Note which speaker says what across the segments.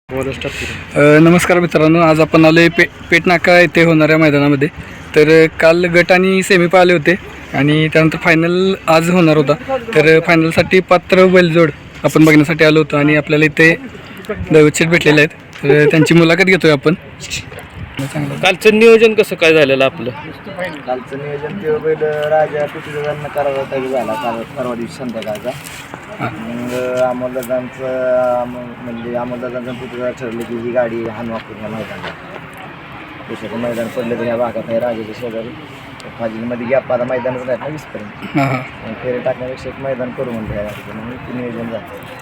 Speaker 1: नमस्कार मित्रांनो, आज आपण आलो आहे पेटनाका येथे होणाऱ्या मैदानामध्ये. तर काल गट आणि सेमी पाहिले होते आणि त्यानंतर फायनल आज होणार होता. तर फायनलसाठी पात्र बैलजोड आपण बघण्यासाठी आलो होतो आणि आपल्याला इथे दैवतशेठ भेटलेले आहेत. तर त्यांची मुलाखत घेतोय आपण.
Speaker 2: कालचं नियोजन कसं काय झालेलं आपलं?
Speaker 3: कालचं नियोजन ते बैल राजा पृथ्वीदादांना करावा झाला काल परवा दिवशी संध्याकाळचा. मग अमोलदादांचं पृथ्वीदादा ठरलं की ही गाडी हान वापरून या मैदानाला. दुसरं मैदान पडलं तर ह्या भागात आहे राजाच्या शेजारी फाजीलमध्ये गॅप आता मैदानच नाही ना 20पर्यंत. फेरे टाकण्यापेक्षा एक मैदान करू म्हणलं ह्या गाडीचं, म्हणून ते नियोजन झालं.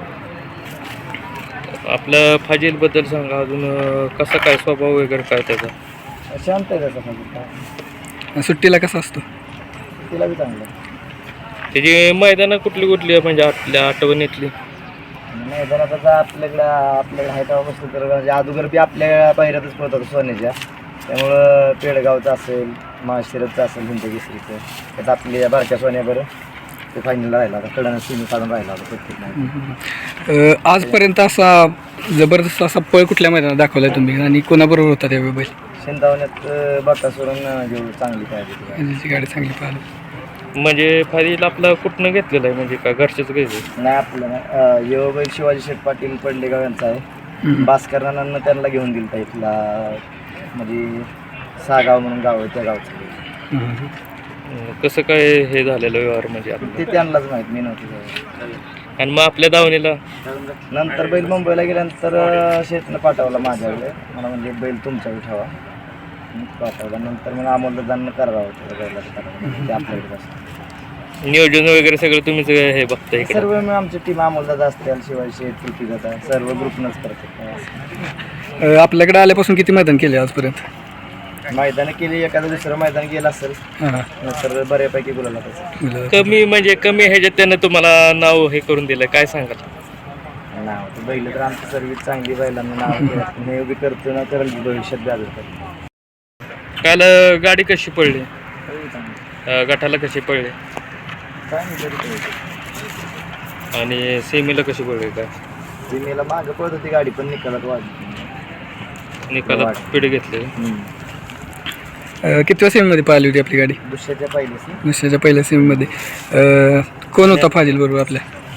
Speaker 2: आपल्या फाजीलबद्दल सांगा, अजून कसं काय स्वभाव वगैरे काय त्याचा?
Speaker 3: शांत आहे त्याचा फाजील.
Speaker 1: सुट्टीला कसा असतो?
Speaker 3: तिला बी चांगलं.
Speaker 2: त्याची मैदानं कुठली कुठली आहे म्हणजे आपल्या आठवणीतली?
Speaker 3: मैदानात आपल्याकडे आहे तेव्हा बसलं तर म्हणजे अगोदर बी आपल्या पायऱ्यातच पळत होतं सोन्याच्या. त्यामुळं पेडगावचं असेल, माळशिरसचं असेल, हिंदकेसरीचं, त्यात आपली बारक्या सोन्याबरोबर ते फायनलला राहिला होता. कडनं सिमी काढून राहिला होता प्रत्येक.
Speaker 1: आजपर्यंत असा जबरदस्त असा पळ कुठल्या मैदानात दाखवलाय तुम्ही आणि कोणाबरोबर होता त्या बैल?
Speaker 3: शेंदावण्यात बाकासुरून जेवढी चांगली पाहिजे
Speaker 1: गाडी चांगली पाहिली.
Speaker 2: म्हणजे फाजील आपला कुठनं घेतलेलं आहे, म्हणजे का घरचंच घ्यायचं?
Speaker 3: नाही आपलं नाही. यो बैल शिवाजी शेठ पाटील पडलेगाव यांचा आहे. भास्करांना त्यांना घेऊन दिलता इथला, म्हणजे सागाव म्हणून गाव आहे त्या गावचं.
Speaker 2: कसं काय हे झालेलं व्यवहार म्हणजे आपलं?
Speaker 3: ते त्यांनाच माहीत, मी नव्हती.
Speaker 2: आणि मग आपल्या दावणीला
Speaker 3: नंतर बैल मुंबईला गेल्यानंतर शेतनं पाठवला माझ्याकडे, मला म्हणजे बैल तुमच्याकडे ठेवा पाठवला. नंतर मग अमोलदादांना करावं होतं बैलाचं, ते आपल्याकडे असतं.
Speaker 2: नियोजन वगैरे सगळं तुम्हीच हे बघता इकडे?
Speaker 3: सर्व मग आमची टीम अमोलदादा असते, शिवाय शेठ पृथ्वीदादा, सर्व ग्रुपनंच करते.
Speaker 1: आपल्याकडे आल्यापासून किती मैदान केले आजपर्यंत?
Speaker 3: मैदानं केली, एखादं दुसरं मैदान गेलं असेल नंतर बऱ्यापैकी बोलायला त्याचं.
Speaker 2: कमी म्हणजे कमी ह्याच्यात त्यानं तुम्हाला नाव हे करून दिलं, काय सांगाल?
Speaker 3: नाव तर बैल तर आमची सर्विस चांगली, बैलांना नाव केलं हे बी करतो ना, तर भविष्यात बी करतो.
Speaker 2: काल गाडी कशी पडली, गटाला कशी पडली
Speaker 3: काय नाही
Speaker 2: आणि सेमीला कशी पडली? काय
Speaker 3: जिमेला मागं पळत होती गाडी, पण निकालात वाढली,
Speaker 2: निकालात पिढी घेतली.
Speaker 1: कितव्या सेमीमध्ये पाहिली होती आपली गाडी? दुसऱ्याच्या पहिल्या सेमीमध्ये. कोण होता फाजील बरोबर आपल्या?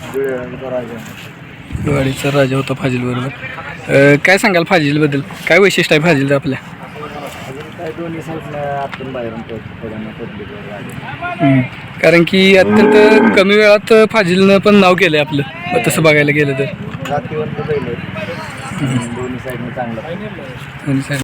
Speaker 1: गाडीचा राजा होता फाजील बरोबर. काय सांगाल फाजीलबद्दल? काय वैशिष्ट्य आहे फाजीलचं आपल्या?
Speaker 3: काय दोन्ही साईडनं आतून बाहेरून
Speaker 1: कारण की अत्यंत कमी वेळात फाजीलनं पण नाव केलं आहे आपलं, तसं बघायला गेलं तर.
Speaker 3: जातीवंत बैल दोन्ही साईडनं चांगलं.
Speaker 1: दोन्ही साईड